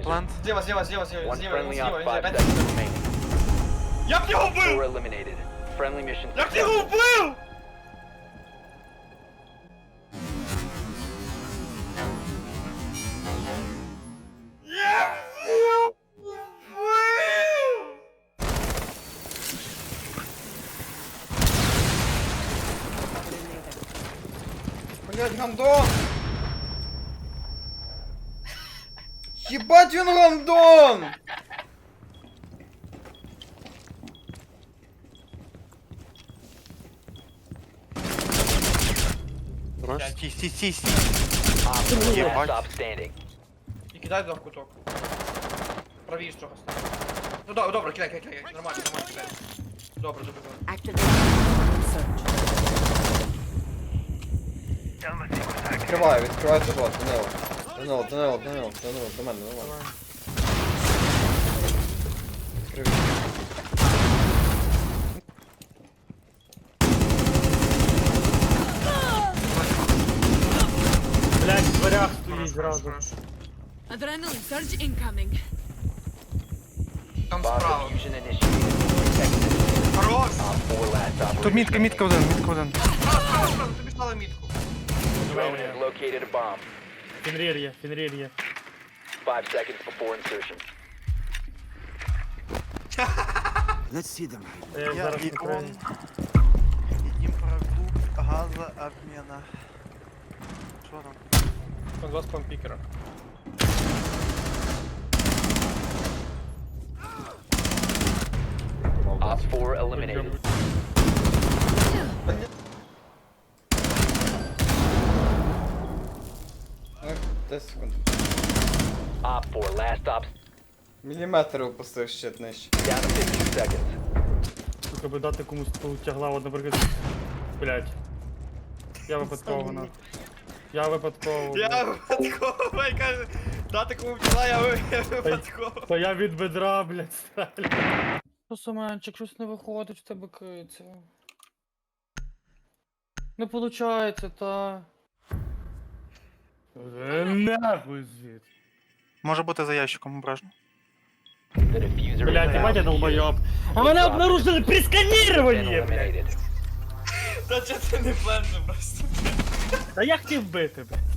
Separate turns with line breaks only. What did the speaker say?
Плант.
Зліва,
One friendly op, 5
опять.
seconds remaining.
Як його
4
вбив?
eliminated. Friendly mission
Як його
successful.
вбив? Як його вбив?
Блять, гандон! Ебать він гандон!
Хорош. Стій.
Op 4
Єбать.
last stop standing.
І кидай туди в куток. Правіше трохи став. Ну добре, кидай. Нормально, кидай. Добре.
Activate search.
Відкривай живот, до нього, до мене. Відкрив.
Блять, в дверях стоїть зразу.
Adrenaline surge incoming.
Там
Bomb
справа.
diffusion initiated. Protect it.
Хорош!
Op 4 last
Тут
operator.
мітка один.
Справа, тобі стали мітку.
Drone has located a bomb.
Фенрір є.
5 seconds before insertion.
Я їх зараз
І
накрию.
он. Импродукт газообмена. Що там?
Там два спампікера.
Op 4 eliminated.
Ну, 10 секунд.
Op 4 last stop
Міліметр упустив щит нижче.
down to 15 seconds.
Сука, би дати комусь тягла, от, наприклад. Блять. Я випадково на. Я випадково.
Я випадково, я кажу, дати кому вчила, я випадково.
То я від бедра, блять, стрелю. Що, Семенчик, щось не виходить в тебе киця. Не получається, та. Нахуй звід.
Може бути за ящиком ображено.
The diffuser is
Блять,
now
ебать я
secured.
долбоёб. А мене обнаружили при
Been
сканіруванні, блять.
eliminated.
Та чого ти не планшив просто?
Та я хотів бити, блять.